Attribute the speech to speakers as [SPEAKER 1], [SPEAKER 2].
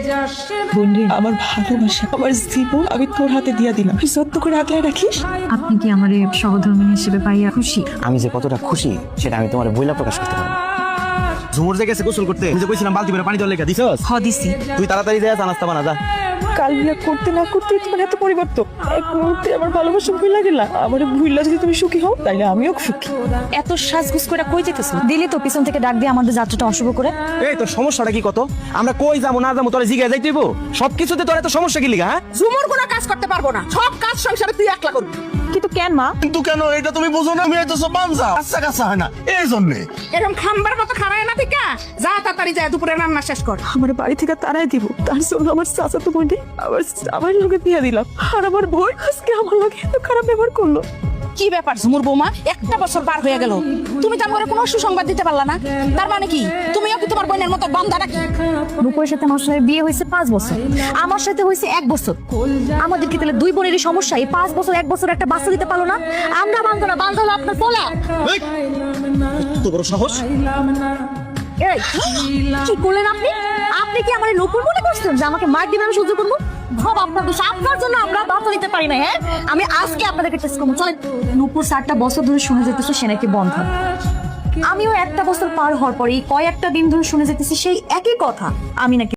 [SPEAKER 1] বন্ধু, আমার ভালোবাসা, আমার জীবন আমি তোর হাতে দিয়া দিলাম, যত্ন করে আগলায় রাখিস।
[SPEAKER 2] আপনি কি আমার সহধর্মিনী হিসেবে পাইয়া খুশি?
[SPEAKER 3] আমি যে কতটা খুশি সেটা আমি তোমার বইলা প্রকাশ করতে পারবো না। ঝুমুর যে গেছে গোসল করতে, আমি যে কইছিলাম বালতি করে পানি জল লেখা দিছস?
[SPEAKER 2] দিছি।
[SPEAKER 3] তুই তাড়াতাড়ি যা নাস্তা বানা যা।
[SPEAKER 1] কাল বিয়ে করতে না করতে তোমার এত পরিবর্তন, এক মুহূর্তে আমার ভালোবাসা ভুলে গেলা। আমার ভুললা যদি তুমি সুখী হও তাইলে আমিও সুখী।
[SPEAKER 2] এত সাজগুজ করে কই যেতেছ? দিলি তো পিছন থেকে ডাক দিয়ে আমাদের যাত্রাটা অশুভ করে।
[SPEAKER 3] এই তোর সমস্যাটা কি কত? আমরা কই যাবো না যাবো তোরে জিজ্ঞাসা যাইতে হইব? সবকিছুতে তোর এত সমস্যা কি লিগা? হ্যাঁ,
[SPEAKER 4] ঝুমুর কোনো কাজ করতে পারবো না, সব কাজ সংসারে তুই একলা করবি।
[SPEAKER 2] কিন্তু কেন মা?
[SPEAKER 5] কিন্তু কেন এটা তুমি বুঝো না? আমি তো সব বানজা কাঁচা কাঁচা হয় না এই জন্যে।
[SPEAKER 4] এরকম খাম্বার মতো খারায় না ঠিক যা তাড়াতাড়ি যায় দুপুরে রান্না শেষ কর।
[SPEAKER 1] আমার বাড়ি থেকে তারাই দিব, তার জন্য আমার চাচাতো বোনকে আমার লোকে দিয়ে দিলাম। আর আমার বোন আজকে আমার লোকে এত খারাপ ব্যবহার করলো।
[SPEAKER 4] কি ব্যাপার ঝুমুর বৌমা, একটা বছর পার হয়ে গেল, তুমি তো আমার কোনো সুসংবাদ দিতে পারলা না। তার মানে কি তুমিও কি তোমার বোনের মতো বান্দা নাকি?
[SPEAKER 2] রূপের সাথে আমার সাথে বিয়ে হয়েছে 5 বছর, আমার সাথে হয়েছে 1 বছর। আমাদের কি তাহলে দুই বোনেরই সমস্যা? এই 5 বছর 1 বছর একটা বাচ্চা দিতে পারলো না? আমরা বান্ধব না, বান্ধব হলো আপনার পোলা।
[SPEAKER 3] তো বড় সাহস!
[SPEAKER 2] এই কি করলেন আপনি? আপনি কি আমার নকুল মনে করছেন যে আমাকে মার দিবেন আমি সহ্য করবো? সব আপনার দোষ, আপনার জন্য আমরা বাচ্চা দিতে পারি না। হ্যাঁ, আমি আজকে আপনাদেরকে টেস্ট করবো। চলেন। নূপুর 4টা বছর ধরে শুনে যেতেছে সে নাকি বন্ধ। আমিও 1টা বছর পার হওয়ার পরে কয়েকটা দিন ধরে শুনে যেতেছি সেই একই কথা, আমি নাকি